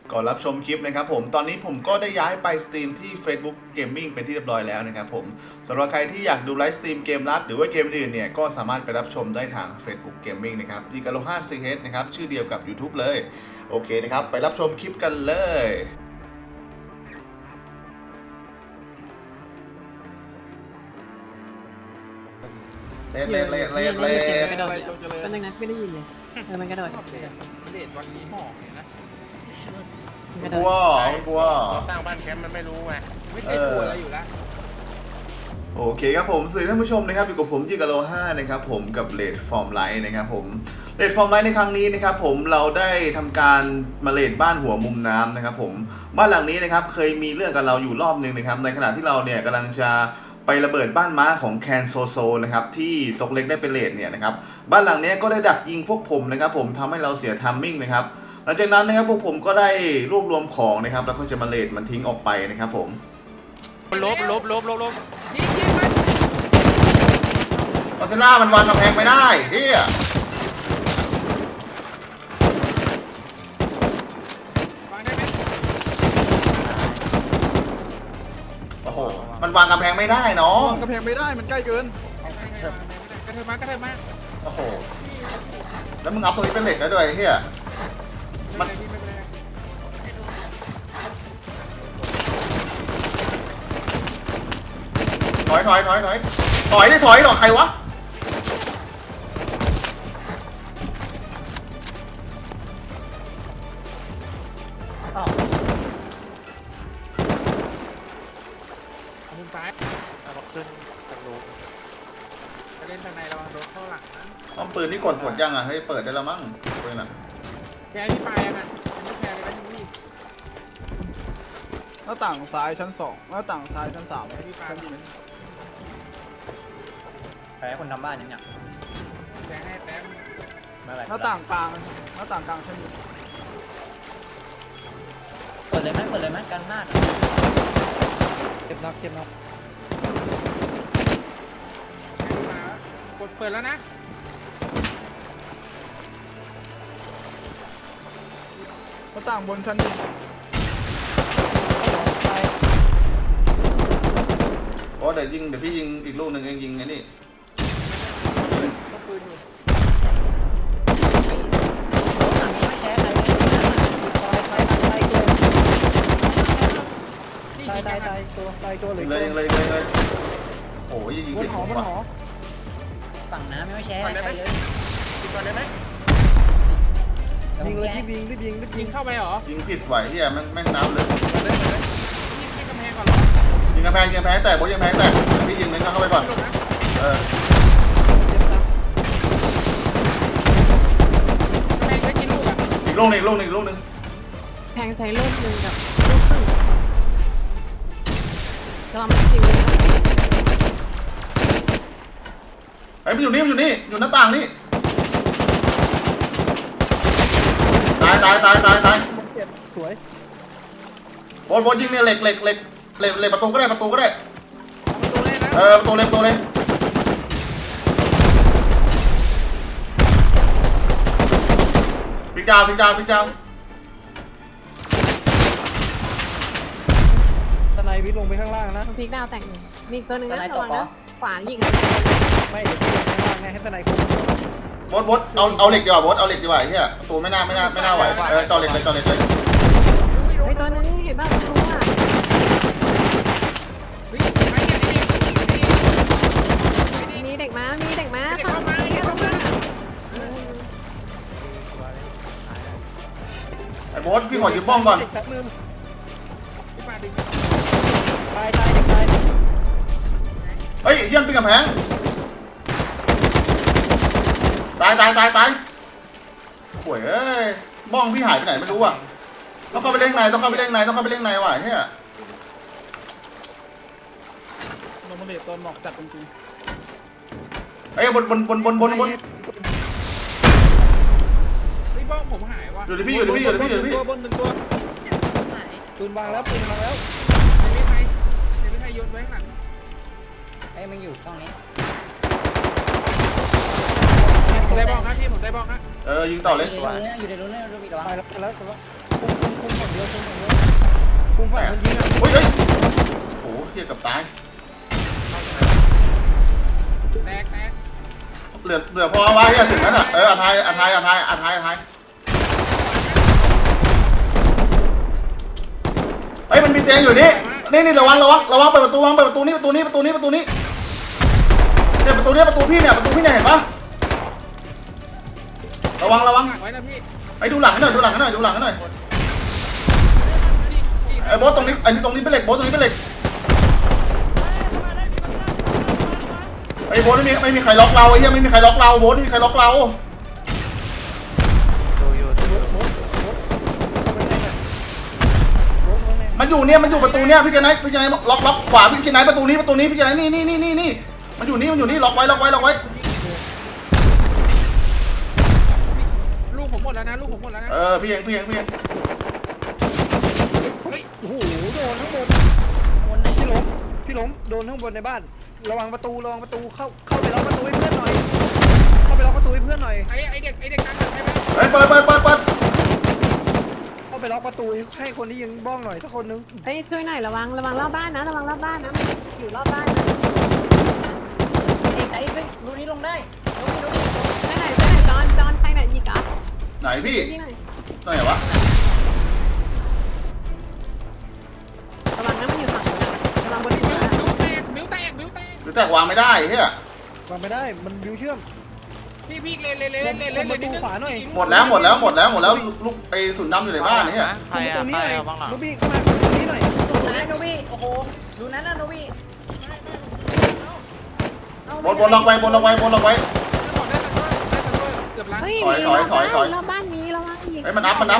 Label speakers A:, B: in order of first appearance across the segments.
A: ก่อนรับชมคลิปนะครับผมตอนนี้ผมก็ได้ย้ายไปสตรีมที่ Facebook Gaming เป็นที่เรียบร้อยแล้วนะครับผมสำหรับใครที่อยากดูไลฟ์สตรีมเกมลัดหรือว่าเกมอื่นเนี่ยก็สามารถไปรับชมได้ทาง Facebook Gaming นะครับดีกาโล 5CH นะครับชื่อเดียวกับ YouTube เลยโอเคนะครับไปรับชมคลิปกันเลยเล่น
B: กระโดดเป็นยังไงไม่ได้ยินเลยมันกระโดด
C: เดทวันนี้หอกเนี่ยนะ
A: กลัวกลัว
C: สร้างบ้านแคมป์มันไม่รู้ไงไม่ใช่กลัวอะไรอยู่แล้ว
A: โอเคครับผมสวัสดีท่านผู้ชมนะครับอยู่กับผมยิกาโล 5นะครับผมกับเลดฟอร์มไลท์นะครับผมเลดฟอร์มไลท์ในครั้งนี้นะครับผมเราได้ทำการมาเลดบ้านหัวมุมน้ำนะครับผมบ้านหลังนี้นะครับเคยมีเรื่องกับเราอยู่รอบนึงนะครับในขณะที่เราเนี่ยกำลังจะไประเบิดบ้านม้าของแคนโซโซนะครับที่ซกเล็กได้เป็นเลดเนี่ยนะครับบ้านหลังนี้ก็ได้ดักยิงพวกผมนะครับผมทำให้เราเสียทัมมิ่งนะครับหลังจากนั้นนะครับพวกผมก็ได้รวบรวมของนะครับแล้วก็จะมาเลดมันทิ้งออกไปนะครับผม
C: ลบยิงมัน
A: กอซิลล่ามันวางกำแพงไม่ได้เฮียว
C: างได้ไหม
A: โอ้โหมันวางกำแพงไม่ได้น้อง
D: กระแพงไม่ได้มันใกล้เกิน
C: กระเทยมากระเทยมา
A: โอ้โหแล้วมึงเอาตัวนี้เป็นเหล็กแล้วด้วยเฮียมันถอยได้หรอใครวะ
C: มุมซ้ายเอาขึ้นทางโน้นจะเล่นทางในระวังโดนเข้าหลังนะ
A: ป้อมปืนนี่กดยังอ่ะเฮ้ยเปิดได้แล้วมั้งปืนอ่ะ
C: แกที่ไปอ่ะนะไม่แพ้เลยนะพี่
D: หน้าต่างซ้ายชั้น2หน้าต่างซ้ายชั้น3
C: พี่ปา
D: ชั้น
C: พี่
E: แพ้คนทำบ้านยังเนี่ย
C: แกให้แต้ม
E: เมื่อไหร่
D: หน้าต่างกลางชั้น1
E: เปิดเลยไหมกันหน้า
D: เจ็บนัก
C: มากดเปิดแล้วนะ
D: หน้าต่างบนชั้น1
A: โอ้เดี๋ยวพี่ยิงอีกลูกหนึ่งเองยิงไงนี่
C: ก็ปืนอยู่
E: ไม่แพ้ใคร
C: นี่
D: ตาย
C: ยิงกัน
D: ตัวเลย
A: เลยโอ้ยยิง
D: บ
A: ผิ
D: น
A: ด
D: หอ
A: ผม
D: บน
A: ว่ะ
D: หอ
E: ฝั่งน้ำไม่แพ้ใครเลย
C: ยิงก่อนได้ไหม
D: ยิงเลยรีบยิง
C: ยิงเข้าไปเหรอ
A: ยิงผิดไหวเฮียแม่งน้ำเลย
C: ยิงให้กำแพงก่อนเหรอ
A: ยิงกระแพงแต่บอสยิงแพงแต่พี่ยิงเน้นเข้าไปก่อน
C: หลบนะ
A: เออก
C: ำแพงใช้กี่ลูกอ่ะ
A: อีกลูกหนึ่ง
B: แพงใช้ลูกหนึ่งกับลูกครึ่งจะทำให้ชิวเลยนะ
A: ไอ้มันอยู่นี่อยู่หน้าต่างนี่ตาย
D: สวย
A: บอสยิงเนี่ยเหล็กประตูก็ได้
C: ประตูเลยนะ
A: ประตูเลยพี่เจ้า
D: ตะไนวิทลงไปข้างล่างนะ
B: มันพลิกดาวแต่งมีอีกตัวหนึ่งนะระวังนะขวายิง
D: ไม่เดี๋ยวลงข้างล่างไงให้ตะไนคุ้ม
A: บอสเอาเหล็กดีกว่าบอสเอาเหล็กดีกว่าเฮียประตูไม่น่าไหวจอเหล็กเลย
B: ไอ้ตัวนั้นเห็นบ้างรู้อ่ะ มีเด็กมา
C: เข้ามา
A: ไอ้บอสพี่ขอยืมบ้องก่อน
D: เด็กสักมือ
C: พี่ปาดึง
D: ตาย
A: เฮ้ยเฮียปีนกำแพงตายห่วยเอ้ยบ้องพี่หายไปไหนไม่รู้อ่ะต้องเข้าไปเล่นในว่ะเฮีย
D: ลงมาเด็ดตอนหมอกจัดจริง
A: ไอ้บน
C: พี่บ้องผมหายว่ะ
A: อยู่ที่พี่
D: ตัวบน1ตัวปืนวางแล้ว
C: เดวิดไทยโยนไว้ข้างหลัง
E: ไอ้มันอยู่ตรงนี้
C: ผมได้บอกนะพี่ผมได้บอกนะ
A: ยิงต่อเลย
E: อยู่ในรูนี่รูบีระวัง
D: ตายแล้วคุมคนเดียว
A: ไหนอ่ะเฮ้ยโอ้โหเทียบกับตาย
C: แตก
A: เหลือพอไว้เฮียถึงนั้นอ่ะอาทายเฮ้ยมันมีเตียงอยู่นี่ระวังเปิดประตูนี่เนี่ยประตูพี่เนี่ยเห็นปะระวัง
C: ไว้นะพี่
A: ไอ้ดูหลังหน่อยไอ้โบสตรงนี้ตรงนี้เป็นเหล็กโบสตรงนี้เป็นเหล็กไอ้โบสไม่มีใครล็อกเราไอ้เหี้ยไม่มีใครล็อกเราโบสไม่มีใครล็อกเรามันอยู่เนี่ยมันอยู่ประตูเนี่ยพี่เจนายล็อกขวาพี่เจนายประตูนี้พี่เจนายนี่มันอยู่นี่ล็อกไว้
C: ลูกผมหมดแล้วนะ
A: พี่เอง
C: เฮ้ย
D: โอ้โหโดนข้างบนพี่ล้มโดนข้างบนในบ้านระวังประตูเข้าไปล็อกประตูให้เพื่อนหน่อย
C: ไอเด็กกันใช่ไหม
A: เฮ้ยเปิด
D: เข้าไปล็อกประตูให้คนที่ยิงบ้องหน่อยสักคนนึง
B: เฮ้ยช่วยหน่อยระวังรอบบ้านนะอยู่รอบบ้านนะ
E: ไอ้รูนี้ลงได้
B: ช่วยหน่อยจอนใครหน่อยยิงอ่ะ
A: ไหนพี่
B: ยิงหน่อย
A: ตรงไหนวะ
B: ระวังนะมันอยู่ฝั่งนู้นระวังบนหัว
C: บิ้วแตก
A: หรือแตกวางไม่ได้เฮียว
D: างไม่ได้มันบิวเชื่อม
C: พี่เล่น
D: ประตูขวาหน่อย
A: หมดแล้วลูกไอ้สุนดำอยู่ในบ้านนี่
D: ตรงประตูนี้หน่อยลูบี้เข้ามาตรงนี้หน่อย
E: นะโนบี้โอ้โหดูนั้นนะโนบี้
A: บนล็อกไว้
C: เกือบล้าน
B: เฮ้ย
A: ถอย
B: รอบบ้านนี้ระวังอีก
A: เฮ้ยมันนับ
B: ร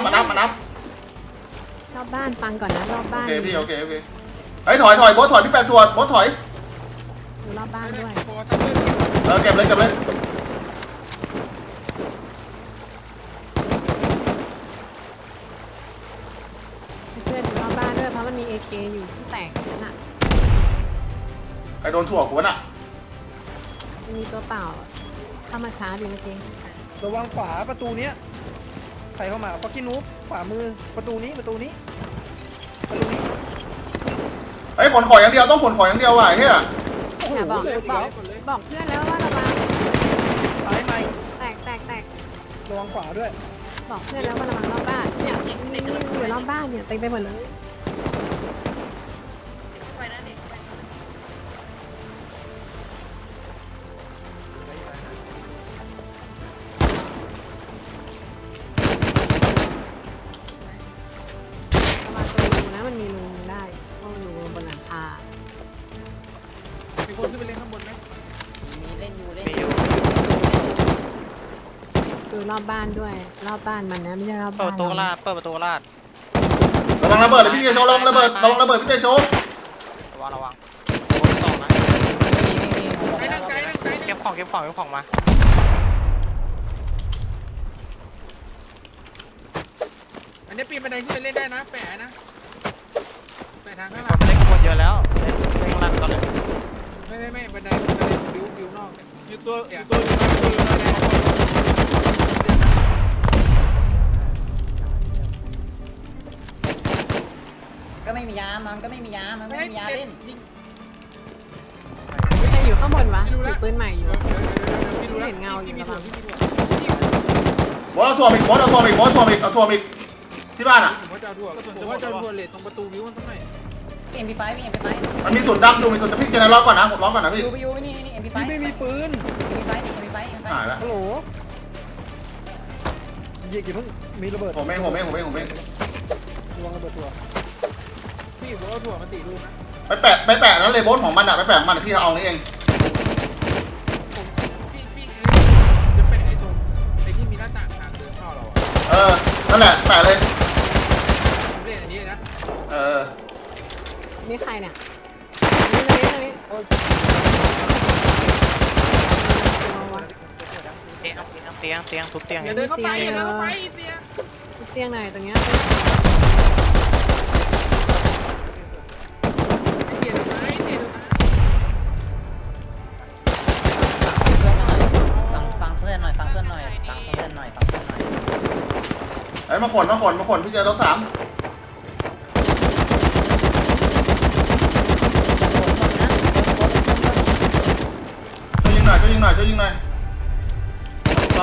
B: อบบ้านฟังก่อนนะรอบ
A: โอ
B: บ้าน
A: เคพี่โอเคเฮ้ยถอยโบสถอยพี่แปดถอยโบสถอย
B: ดูรอบบ้านด้วย
A: เก็บเลย
B: เพื่อนดูรอบบ้านด้วยเพราะมันมี AK อยู่ที่แตกนั่นน่ะ
A: ไอ้โดนถั่วกูน่ะ
B: มีตัวเปล่าเข้ามาช้าดีเมื่อกี้
D: ระวังขวาประตูเนี้ยใครเข้ามาฟักกี้นูบขวามือประตูนี้
A: เฮ้ยขนของอย่างเดียวต้องขนของอย่างเดียวว่ะเฮีย
B: อย่าบอกเพื่อนแล้วว่าระวัง
D: ซ้ายไหม
B: แตก
D: ระวังขวาด้วย
B: บอกเพื่อนแล้วว่าระวังรอบบ้านเนี่ยอยู่รอบบ้านเนี่ยเต็มไปหมดเลยระวังตัวรูนะมันมีรูได้เพราะมันอยู่บนหลังคา
C: มีคนขึ้นไปเล่นข้างบนไหม
E: มีเล่นอยู่
B: ดูรอบบ้านด้วยรอบบ้านมันนะไม่ใช่รอบ
F: เปิ
B: บ้า
F: ด
B: น
F: ประตูลาดเปิดประตูลาด
A: ระวังระเบิดเลยพี่เจโชระวังระเบิดพี่เจโช
F: ระวังโอ้ยสองนะ
C: ไอ้นั่งไกล
F: เก็บของมา
C: อันนี้ปีนบันไดขึ้นไปเล่นได้นะแปะทาง
F: มี
C: ข้างห
F: ค
C: ลั
F: น
C: ง
F: เล่นขบวนเยอะแล้วเล่นข้างล่างก่อนเลย
C: ไม่บันไดบิวนอกอยู่ตัว
E: ก็ไม่มียามันก็ไม่มียาเล่น
B: ใครอยู่ข้างบนวะถือปืนใหม่อยู่
A: โบสเอาถั่วอีกเอาถั่วอีกที่บ้านอ่ะ
C: ผมว่าจะเอาทั่วเลทตรงประตูบิวมันสักหน่อย
E: MP5 มี MP5
A: มันมีสุนดำดูมีสุนพี่เจนายล็อกก่อนนะผมล็อกก่อนนะพี่
E: อยู่นี่ MP5
D: พี่ไม่มีปืน
E: MP5
A: หายแล้ว
D: ฮัลโหลยิงกี่เพิ่งมีระเบิด
A: ผมเอง
D: ระวังระเบิดตัว
C: พี่ผมเอาถั่วมาตีลูกนะ
A: ไปแปะนั้นเลยโบสของมันอ่ะไปแปะมันพี่เอานี่เอง
C: พี่จะแปะไอ้ตรงไอ้ที่มีหน้าต่างทางเดินเข้าเราอ่ะ
A: นั่นแหละแปะเลย
C: เล่นอันนี้นะ
B: นี่ใครเนี่ยนี่
F: เตียงทุบเตียง
C: อย่าเดินเข้าไปเสีย
B: เตียงไหนตรงเนี้ย
C: เกียร์ตาย
E: ฟังเพื่อนหน่อย
A: ไอ้มาขนพี่เจรถ3 ยิงหน่อยช่วยยิงหน่อยลอง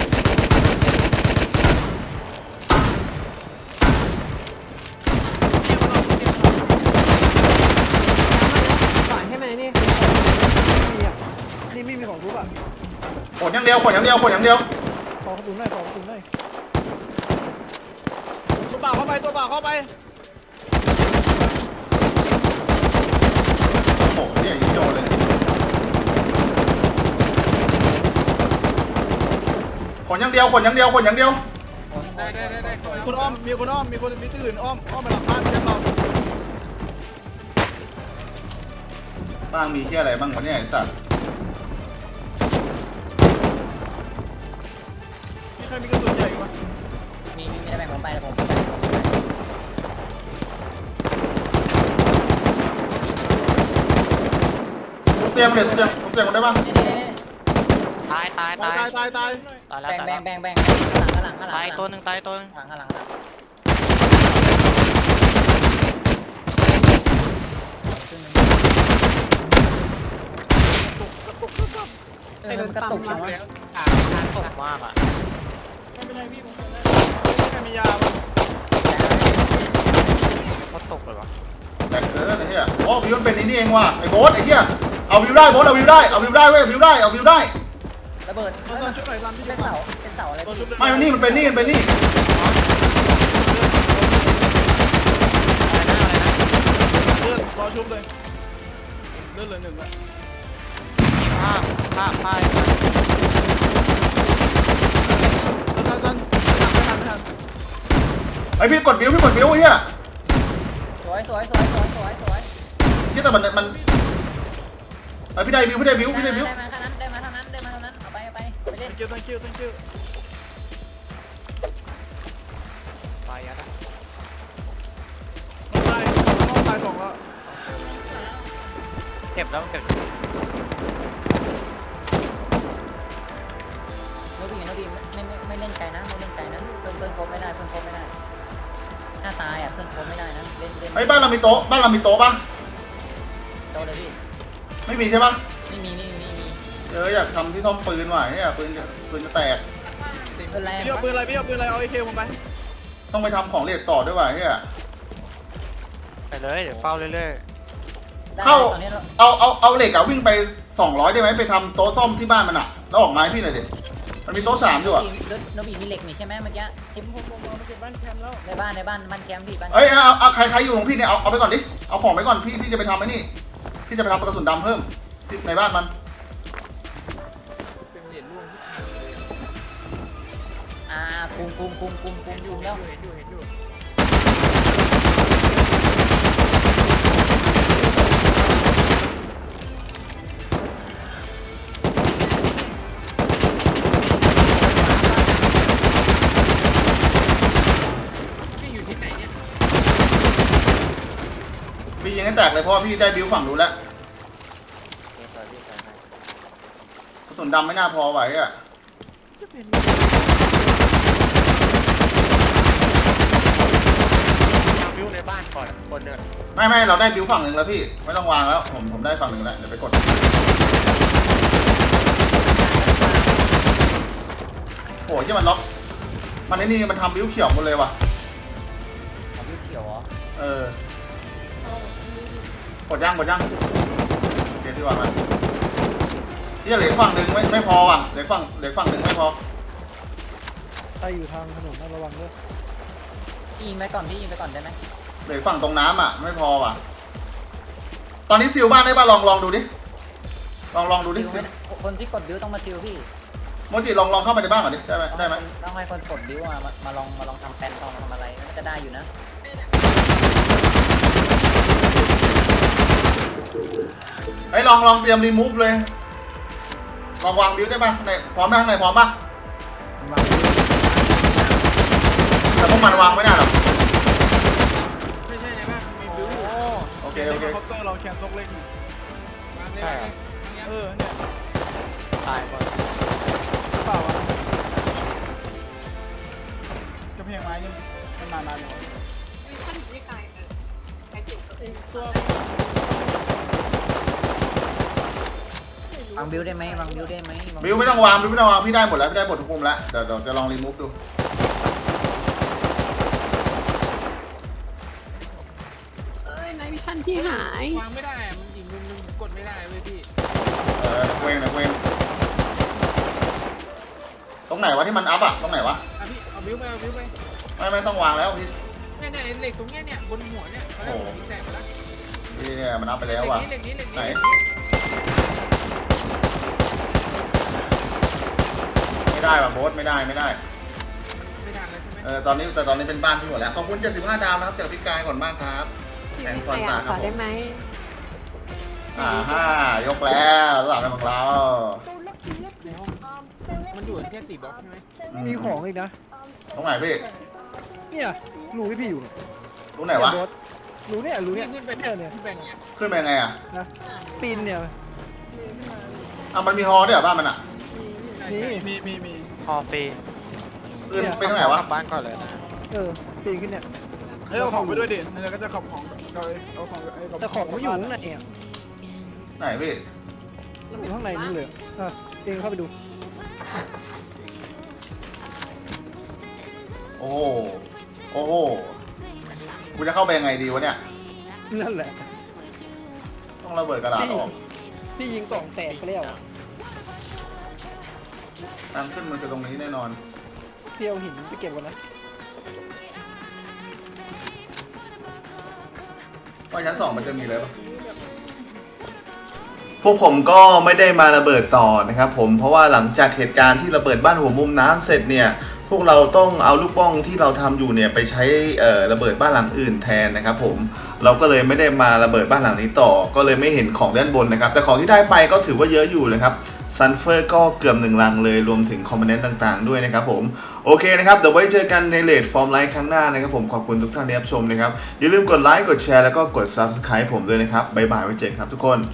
B: ก่อนให้มันนี่
D: นี่อ่ะนี่ไม่มีของทุบอ่ะ
A: ขนอย่างเดียวขนอย่างเดียวขนอย่างเดียว
D: ขอกระสุนหน่อยขอกระสุนหน่อย
C: ตัวเปล่าเข้าไปตัวเปล่าเข้าไป
A: โอ้โหเนี่ยยิงโดนเลยขนอย่างเดียวขนอย่างเดียวขนอย่างเดียว
C: ได้คนอ้อมมีคนอ้อมมีคนมีที่อื่นอ้อมมาหลังบ้านแจ้งเรา
A: บ้างมีที่อะไรบ้างวะเนี่ยไอ้สัตว์
C: มีใครมีกระสุนใหญ่ไหม
E: มีจะแบ่งผมไปผม
A: ทุบเตียงเลยทุบเตียงมันได้ป่ะ
F: ตายตายตาย
C: ตาย
F: ตายแล้ว
E: แบ่
F: ตาย
E: ง
F: แล้ว
E: ข้างหลัง
F: ตายตัวหนึ่งตายตัวหนึ่ง
E: ข้างหลังกระตุกจังวะ
F: ตกมากอ่ะ
C: ไม่เป็นไรพี่ผมได้แค่มียาป่ะ
F: ก็ตกเลยวะ
A: แตกเกินไอ้เหี้ยโอ้วิวมันเป็นนี่เองว่ะไอ้โบ๊ทไอ้เหี้ยเอาวิวได้โบ๊ทเอาวิวได้เว้ยวิวได้เอาวิวได้
E: ระเบิด
C: ตอนชุดไหนตอนที่
E: เป็นเสาอะไร
C: ตอนชุด
A: ไม่มันเป็นนี่
F: อะไรนะอะไรนะ
C: เลื่อนรอชุบเลยเลื่อนเลยหนึ่งละ
F: มีภาพ
C: ทั
F: ภาพ
C: น
A: ไอ้พี่กดวิวไอ้เหี้ย
E: สวย
A: เหี้ยแต่มันไอ้พี่ได้วิว
E: ได้มาเท่านั้นเอาไปเล่น
C: thank you
F: ตายยัด
C: ตายสองแล้ว
F: เก็บแล้วเก็บ
E: โนบีไม่เล่นไกลนะเพื่อนครบไม่ได้หน้าตายอ่ะเพื่อนครบไม่ได้นะเล่น
A: ไอ้บ้านเรามีโต๊ะป่ะ
E: โตเลยพี่
A: ไม่มีใช่ป่ะ
E: ไม่มี
A: อยากทำที่ซ่อมปืนว่ะเนี่ยปืนจะแตก
E: เป็นแรง
C: พี่เอาปืนอะไรเอาAKผมไป
A: ต้องไปทำของเรียกต่อด้วยว่ะเนี่ย
F: ไปเลยเดี๋ยวเฝ้าเรื่อย
A: เอาเหล็กอะวิ่งไป200ได้ไหมไปทำโต๊ะซ่อมที่บ้านมันอะแล้วออกไม้พี่หน่อยดิมันมีโต๊ะ3อยู่อะ
E: โนบีมีเหล็กนี่ใช่ไหมเมื่อกี้ที่
C: ผมเอาไปเก็บบ้านแคมป์แล้ว
E: ในบ้านแคมป์พี่บ้าน
A: เอ้ยเอาใครอยู่ของพี่เนี่ยเอาไปก่อนดิเอาของไปก่อนพี่จะไปทำไอ้นี่พี่จะไปทำกระสุนดำเพิ่มที่ในบ้านมัน
C: เป็นเหรียญร่วง
E: คุมแล้ว
C: เห็นอยู่พี่อยู่ที่ไหนเนี่ย
A: พี่ยิงให้แตกเลยเพราะว่าพี่ได้บิวฝั่งนู้นแล้วกระสุนดำไม่น่าพอไหวอะ
F: วิวในบ้านก่อนคนเดิน
A: ไม่เราได้บิวฝั่งหนึ่งแล้วพี่ไม่ต้องวางแล้วผมได้ฝั่งหนึ่งแล้วเดี๋ยวไปกดโอ้ยที่มันล็อกมันไอ้นี่มันทำบิวเขียวหมดเลยว่ะ
E: พี่เขียวเหรอ
A: กดย่างโอเคที่วางมาที่เหลือฝั่งหนึ่งไม่พอว่ะเหลือฝั่งหนึ่งไม่พอ
D: ใครอยู่ทางถนนระวังด้วย
E: พี่ยิงไปก่อนได้ไหม
A: เหลือฝั่งตรงน้ำอ่ะไม่พอว่ะตอนนี้ซิลบ้านได้ป่ะลองดูดิลองดูดิ
E: คนที่กดบิ้วต้องมาซิลพี่
A: โมจิลองเข้าไปในบ้านก่อนดิได้ไหม
E: ต้องให้คนกดบิ้วมาลองทำแปลนทำอะไรน่าจะได้อยู่นะ
A: ไอ้ลองเตรียมรีมูฟเลยลองวางบิวได้ป่ะในพร้อมไหมข้างในพร้อมป่ะแต่พวกมันวางไม่ได้หรอก
C: ไม่ใช่ในบ้านมีบิวอยู่
A: โอเค
C: คอปเตอร์เราแคมป์ตกเล่นวางเลยเนี่ย
F: ตายหมด
C: เปล่าอ่ะกระเพงไม้ยังมันนานๆเลยตัว
A: อ
E: างบิวได้ไหมวางบิวได้ไหม
A: บิวไม่ต้องวางพี่ได้หมดแล้วพี่ได้หมดทุกมุมแล้วเดี๋ยวจะลองรีมูฟดู
B: เอ้ยนายวิชันที่หายว
C: างไม่ได้อะมันอีกมุมนึงกดไม่ได้เว้ยพี่
A: เว้งตรงไหนวะที่มันอัพอะตรงไหนวะ
C: อ่ะพี่เอาบิ้วไปเอาบิ้วไป
A: ไม่ต้องวางแล้วพี่
C: เนี่ยเหล็กตรงเนี้ยเนี่ยบนหัวเนี่ยตอนแรกผมยิงแตกไปแล้ว
A: พี่เนี่ยมันอัพไปแล้วว่ะ
C: เหล็กนี้
A: ไหนไม่ได้ว่ะโบ๊ทไม่ได้
C: ไม่ทันแล้วใช่ไหม
A: ตอนนี้เป็นบ้านพี่หมดแล้วขอบคุณ75 ดาวนะครับจากพี่กายก่อนมากครับแอนฟอร์สตาร์ค
B: ข
A: รับ
B: อ
A: ผ
B: ได้
A: ม
B: ไหม
A: ยกแล้วสำหรับของเรา
C: ในห้องมันอยู่แค่4 บล็อกใช่ไหม
D: มีของอีกนะ
A: ตรงไหนพี่
D: เนี่ยรูที่พี่อยู่
A: ตรงไหนวะ
D: รูเนี่ย
C: ขึ้นไป
D: เนี่ย
C: พี่แบ่งเนี่ย
A: ขึ้นไปยังไงอะ
D: นะปีนเนี่ย
A: มันมีฮอด้วยเหรอบ้านมันอะ
D: นี่
F: พอฟรี
A: ขึ้นไปตรงไหนวะ
F: กลับบ้านก่อนเลยนะ
D: ปีนขึ้นเนี่ย
G: เอาของไปด้วยดิแล้วก็จะขับของเอาของ
D: แต่ของไม่อยู่ข้างในอ่ะ
A: ไหนพี่
D: มันอยู่ข้างในนี่เลยเองเข้าไปดู
A: โอ้โหกูจะเข้าไปยังไงดีวะเนี่ย
D: นั่นแหละ
A: ต้องระเบิดกระดาษออก
D: พี่ยิงกล่องแตกไปแล้ว
A: ทางขึ้นมันคือตรงนี้แน่นอน
D: เพียวหินไปเก็บกันนะ
A: ว่าชั้น2มันจะมีเลยปะพวกผมก็ไม่ได้มาระเบิดต่อนะครับผมเพราะว่าหลังจากเหตุการณ์ที่ระเบิดบ้านหัวมุมน้ำเสร็จเนี่ยพวกเราต้องเอาลูกบ้องที่เราทำอยู่เนี่ยไปใช้ระเบิดบ้านหลังอื่นแทนนะครับผมเราก็เลยไม่ได้มาระเบิดบ้านหลังนี้ต่อก็เลยไม่เห็นของด้านบนนะครับแต่ของที่ได้ไปก็ถือว่าเยอะอยู่นะครับซันเฟอร์ก็เกือบ1 ลังเลยรวมถึงคอมโพเนนต์ต่างๆด้วยนะครับผมโอเคนะครับเดี๋ยวไว้เจอกันในเลทฟอร์มไลฟ์ครั้งหน้านะครับผมขอบคุณทุกท่านที่รับชมนะครับอย่าลืมกดไลค์กดแชร์แล้วก็กด Subscribe ผมด้วยนะครับบ๊ายบายไว้เจอกันครับทุกคน